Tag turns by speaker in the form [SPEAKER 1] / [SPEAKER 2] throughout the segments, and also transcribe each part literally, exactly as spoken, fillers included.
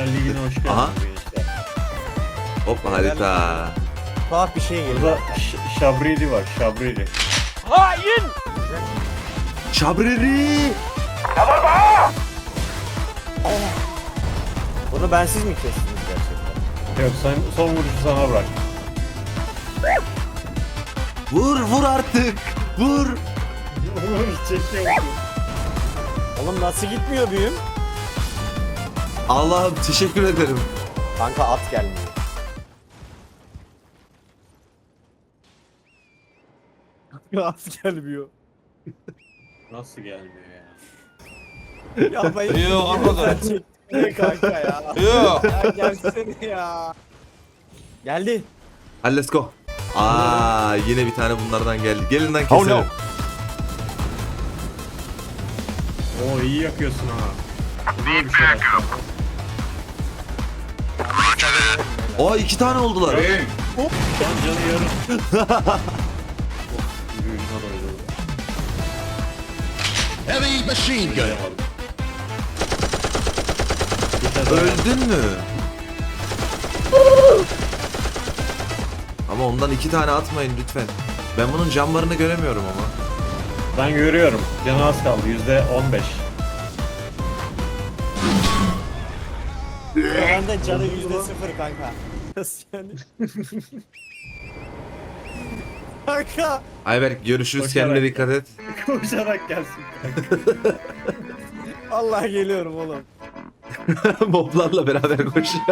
[SPEAKER 1] Ligi'ne hoş geldiniz
[SPEAKER 2] Aha.
[SPEAKER 1] gençler.
[SPEAKER 2] Hop harita.
[SPEAKER 3] Tuhaf bir şey geliyor.
[SPEAKER 1] Burada Ş- Şabrili var, Şabrili.
[SPEAKER 2] Şabreri.
[SPEAKER 3] Bunu ben siz mi kestiniz gerçekten?
[SPEAKER 1] Yok sen, son vuruşu sana bırak.
[SPEAKER 2] Vur vur artık. Vur.
[SPEAKER 1] Çekiyor.
[SPEAKER 3] Oğlum nasıl gitmiyor büyüm?
[SPEAKER 2] Allah'ım teşekkür ederim.
[SPEAKER 3] Kanka at gelmiyor. At gelmiyor.
[SPEAKER 1] Nasıl gelmiyor ya?
[SPEAKER 3] Ya ben
[SPEAKER 4] Yok arkadaş.
[SPEAKER 3] Ne kanka ya?
[SPEAKER 4] Yok.
[SPEAKER 3] Ya gelsene ya. Geldi.
[SPEAKER 2] Hadi let's go. Aa yine bir tane bunlardan geldi. Gelin lan keselim.
[SPEAKER 4] no.
[SPEAKER 1] Oo iyi yakıyorsun ha. Buraya bir şey yapacağım.
[SPEAKER 2] Aa iki tane oldular.
[SPEAKER 1] Canı yarım. Yürüyüşüne doydu.
[SPEAKER 4] Heavy machine gun.
[SPEAKER 1] Dayamadım. Bir tane daha.
[SPEAKER 2] Öldün mü? Ama ondan iki tane atmayın lütfen. Ben bunun camlarını göremiyorum ama.
[SPEAKER 1] Ben görüyorum. Canı az kaldı. Yüzde on beş.
[SPEAKER 3] Bende canı yüzde sıfır kanka. Nasıl yani? Kanka.
[SPEAKER 2] Ayberk görüşürüz,
[SPEAKER 1] Koşarak
[SPEAKER 2] kendine
[SPEAKER 1] gel.
[SPEAKER 2] dikkat et.
[SPEAKER 1] Koşarak gelsin kanka.
[SPEAKER 3] Vallahi geliyorum oğlum.
[SPEAKER 2] Moblarla beraber koşuyor.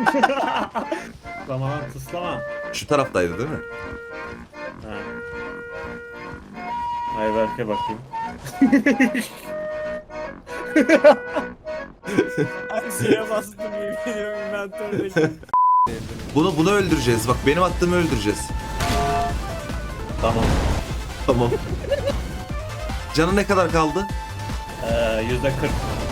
[SPEAKER 1] Tamam tıslama.
[SPEAKER 2] Şu taraftaydı değil mi?
[SPEAKER 1] Ha. Ayberk'e bakayım.
[SPEAKER 3] Aksiye bastım yemin ediyorum inventördeki.
[SPEAKER 2] Bunu bunu öldüreceğiz. Bak benim attığımı öldüreceğiz.
[SPEAKER 1] Tamam.
[SPEAKER 2] Tamam. Canı ne kadar kaldı?
[SPEAKER 1] Ee, yüzde kırk.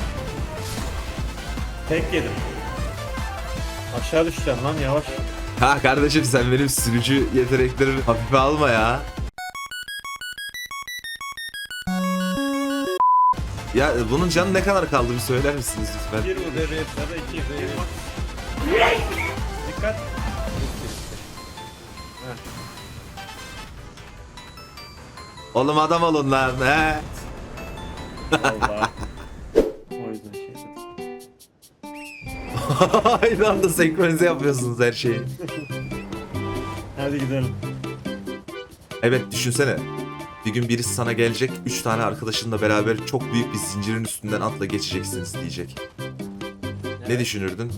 [SPEAKER 1] Tek yedim. Aşağı düşeceksin lan yavaş.
[SPEAKER 2] Ha kardeşim sen benim sürücü yeteneklerimi hafife alma ya. Ya bunun canı ne kadar kaldı bir söyler misiniz lütfen?
[SPEAKER 1] Bir vur. Ya da iki. Bir vur. Dikkat.
[SPEAKER 2] Oğlum adam olun lan he.
[SPEAKER 1] Allah. O yüzden şey.
[SPEAKER 2] Aynı anda senkronize yapıyorsunuz her şeyi.
[SPEAKER 1] Hadi gidelim.
[SPEAKER 2] Evet düşünsene. Bir gün birisi sana gelecek, üç tane arkadaşınla beraber çok büyük bir zincirin üstünden atla geçeceksiniz diyecek. Ne düşünürdün?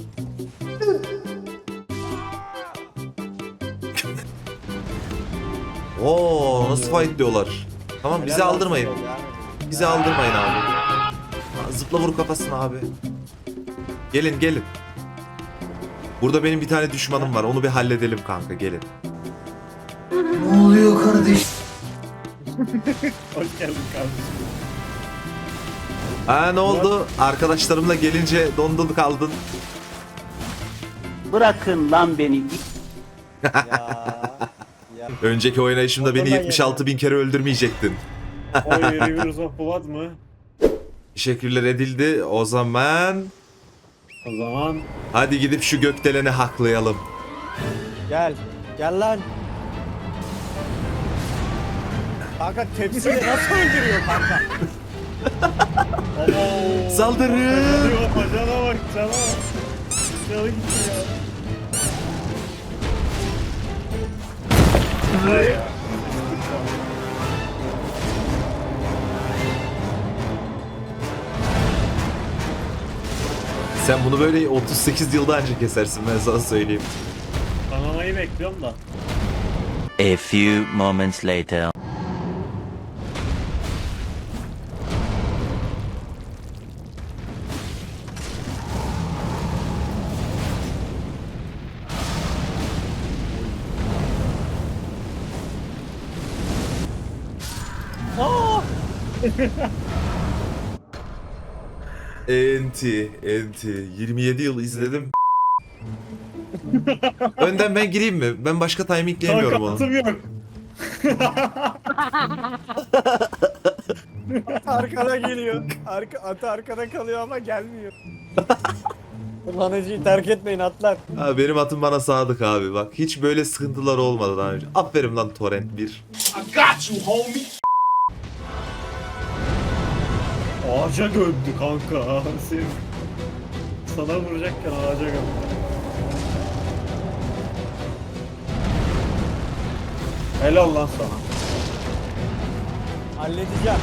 [SPEAKER 2] Oo nasıl fight diyorlar. Tamam bizi aldırmayın. Bizi aldırmayın abi. Ha, Zıpla vur kafasına abi. Gelin gelin. Burada benim bir tane düşmanım var. Onu bir halledelim kanka gelin.
[SPEAKER 1] Hoş geldin kardeşim.
[SPEAKER 2] Ha ne oldu? Arkadaşlarımla gelince dondun kaldın.
[SPEAKER 5] Bırakın lan beni.
[SPEAKER 3] Ya. Ya.
[SPEAKER 2] Önceki oynayışımda beni
[SPEAKER 3] Ondan
[SPEAKER 2] yetmiş altı bin kere öldürmeyecektin.
[SPEAKER 1] O Rivers of Blood mı?
[SPEAKER 2] Teşekkürler edildi. O zaman
[SPEAKER 1] O zaman
[SPEAKER 2] hadi gidip şu gökdeleni haklayalım.
[SPEAKER 3] Gel. Gel lan. Kanka tepsiyle nasıl öldürüyor kanka?
[SPEAKER 2] Saldırın!
[SPEAKER 1] Hadi bak bacana bak cana bak. Canı gitti ya.
[SPEAKER 2] Sen bunu böyle otuz sekiz yılda önce kesersin ben sana söyleyeyim.
[SPEAKER 1] Kanamayı bekliyorum da.
[SPEAKER 5] A few moments later.
[SPEAKER 2] Enti, enti. yirmi yedi yıl izledim. Önden ben gireyim mi? Ben başka timingleyemiyorum onu.
[SPEAKER 1] Takatım yok.
[SPEAKER 3] Arkada geliyor. Arka, atı arkada kalıyor ama gelmiyor. Kullanıcıyı terk etmeyin atlar.
[SPEAKER 2] Ha, benim atım bana sadık abi bak. Hiç böyle sıkıntılar olmadı daha önce. Aferin lan Torrent bir.
[SPEAKER 1] Ağaca gömdü kanka. Sen sana vuracakken ağaca gömdü. Helal lan sana.
[SPEAKER 3] Halledeceğim.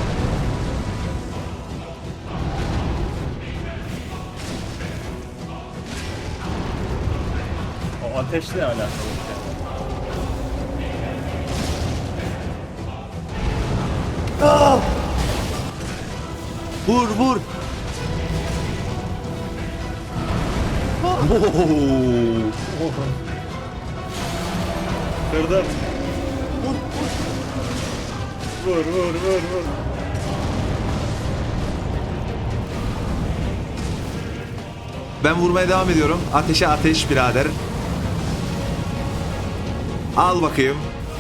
[SPEAKER 1] O ateşle alakalı.
[SPEAKER 2] Vur vur. Oo.
[SPEAKER 1] Kırdım. Vur vur vur vur vur.
[SPEAKER 2] Ben vurmaya devam ediyorum. Ateşe ateş birader. Al bakayım.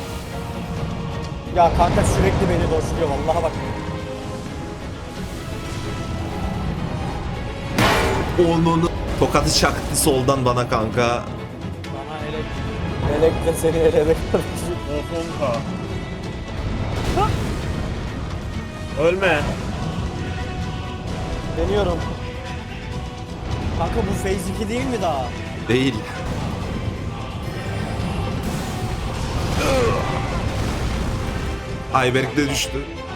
[SPEAKER 3] Ya kanka sürekli beni doşluyor vallahi bak.
[SPEAKER 2] Onun tokatı çaktı soldan bana kanka.
[SPEAKER 3] Bana elek. Elek de seni elede kardeşim.
[SPEAKER 1] Ofonka. Ölme.
[SPEAKER 3] Deniyorum. Kanka bu phase iki değil mi daha?
[SPEAKER 2] Değil. Ayberk de düştü.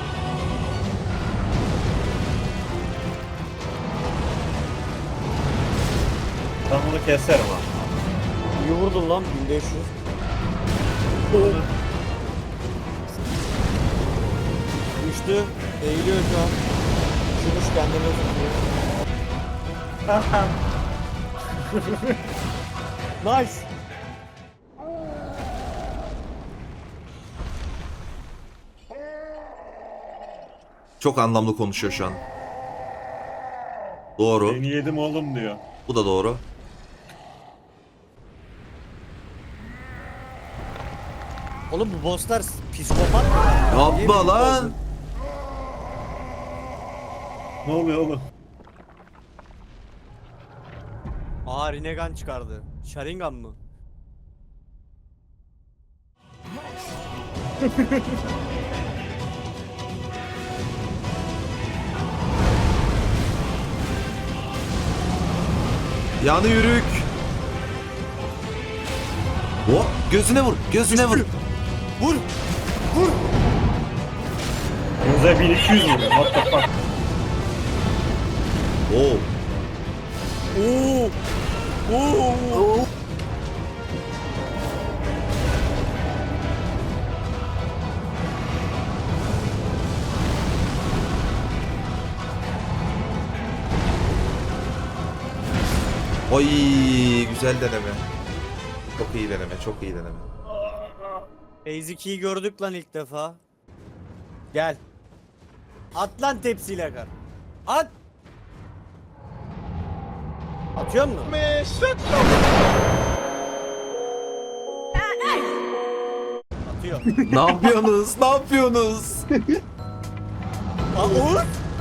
[SPEAKER 1] Ben bunu keserim ha.
[SPEAKER 3] İyi vurdun lan bin beş yüz. Düştü. Eğiliyor şu an. Düşmüş kendini tutuyor. Nice.
[SPEAKER 2] Çok anlamlı konuşuyor şu an. Doğru.
[SPEAKER 1] Seni yedim oğlum diyor.
[SPEAKER 2] Bu da doğru.
[SPEAKER 3] Oğlum bu bosslar psikopat mı?
[SPEAKER 2] Yapma lan.
[SPEAKER 1] Ne oluyor oğlum?
[SPEAKER 3] Aa Rinnegan çıkardı. Sharingan mı?
[SPEAKER 2] Yanı yürük. Hop, gözüne vur, gözüne vur.
[SPEAKER 3] Vur! Vur!
[SPEAKER 1] Bize bin iki yüz vuruyor. What the fuck?
[SPEAKER 2] Oo.
[SPEAKER 3] Oo! Oo!
[SPEAKER 2] Oy, güzel deneme. Çok iyi deneme, çok iyi deneme.
[SPEAKER 3] phase ikiyi gördük lan ilk defa. Gel. At lan tepsiyle kar. At! Atıyor musun? Atıyor.
[SPEAKER 2] Ne yapıyorsunuz? Ne yapıyorsunuz?
[SPEAKER 3] Aa Uğur!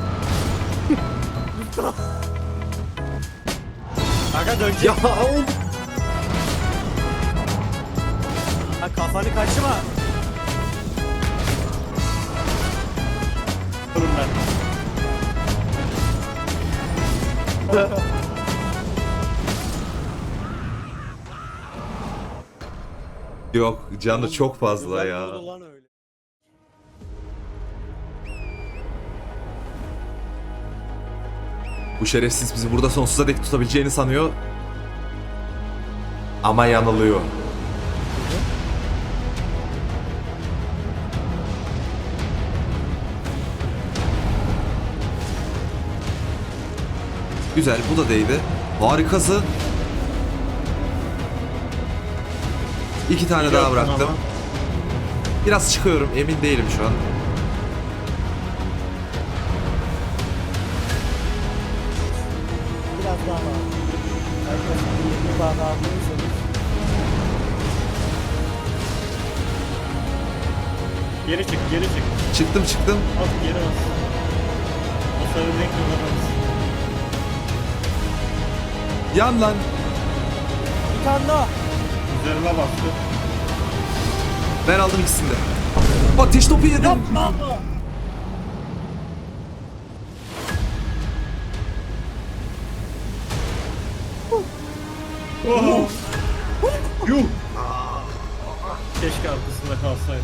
[SPEAKER 3] Kanka dönecek.
[SPEAKER 2] Ya oğlum.
[SPEAKER 3] Ha kafanı kaçırma.
[SPEAKER 1] Durun ben.
[SPEAKER 2] Yok, canı çok fazla
[SPEAKER 3] Güzel
[SPEAKER 2] ya.
[SPEAKER 3] vurdu lan öyle.
[SPEAKER 2] Bu şerefsiz bizi burada sonsuza dek tutabileceğini sanıyor. Ama yanılıyor. Güzel, bu da değdi. Harikasın. İki tane daha
[SPEAKER 1] Yaptın
[SPEAKER 2] bıraktım.
[SPEAKER 1] ama.
[SPEAKER 2] Biraz çıkıyorum, emin değilim şu an.
[SPEAKER 3] Biraz daha var. Herkes bir daha daha alıyorsanız.
[SPEAKER 1] Geri çık, geri çık.
[SPEAKER 2] Çıktım çıktım.
[SPEAKER 1] At geri bas. O sarı renk kullanamaz.
[SPEAKER 2] Yan lan.
[SPEAKER 3] Bir tane daha.
[SPEAKER 1] Üzerime bastı.
[SPEAKER 2] Ben aldım ikisini de. Ateş topu yedim.
[SPEAKER 3] Yapma.
[SPEAKER 1] Oh. Yuh. Keşke arkasında kalsaydı.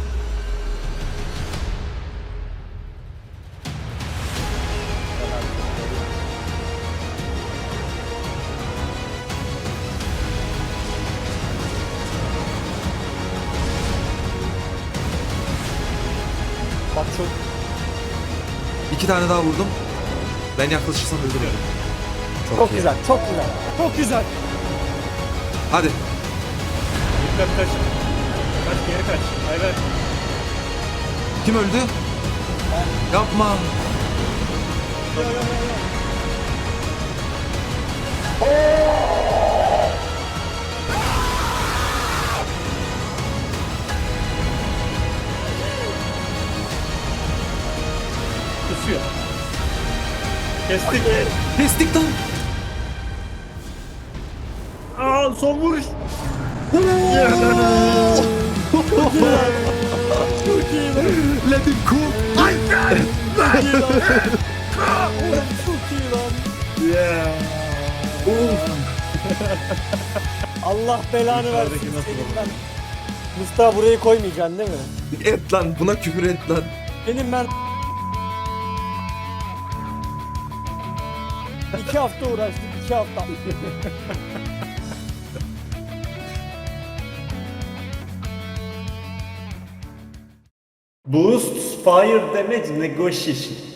[SPEAKER 3] Bak çok.
[SPEAKER 2] İki tane daha vurdum. Ben yaklaşırsam öldürürüm. Çok,
[SPEAKER 3] Çok
[SPEAKER 2] iyi.
[SPEAKER 3] güzel, çok güzel. Çok güzel.
[SPEAKER 2] Hadi.
[SPEAKER 1] Dikkat kaç. Kaç geri kaç. Ayber.
[SPEAKER 2] Kim öldü? Yapma.
[SPEAKER 1] Kusuyor. Kestik.
[SPEAKER 2] Kestik lan.
[SPEAKER 1] Aa son vuruş.
[SPEAKER 2] Let him cook.
[SPEAKER 3] Çok iyi lan.
[SPEAKER 1] Yeah.
[SPEAKER 3] Allah belanı
[SPEAKER 1] Yukarıdaki
[SPEAKER 3] versin
[SPEAKER 1] nasıl
[SPEAKER 3] senin
[SPEAKER 1] olur?
[SPEAKER 3] ben. Mustafa burayı koymayacaksın değil mi?
[SPEAKER 2] Et lan. Buna küfür et lan.
[SPEAKER 3] Benim ben... iki hafta uğraştık, iki hafta.
[SPEAKER 1] Boost fire damage negotiation.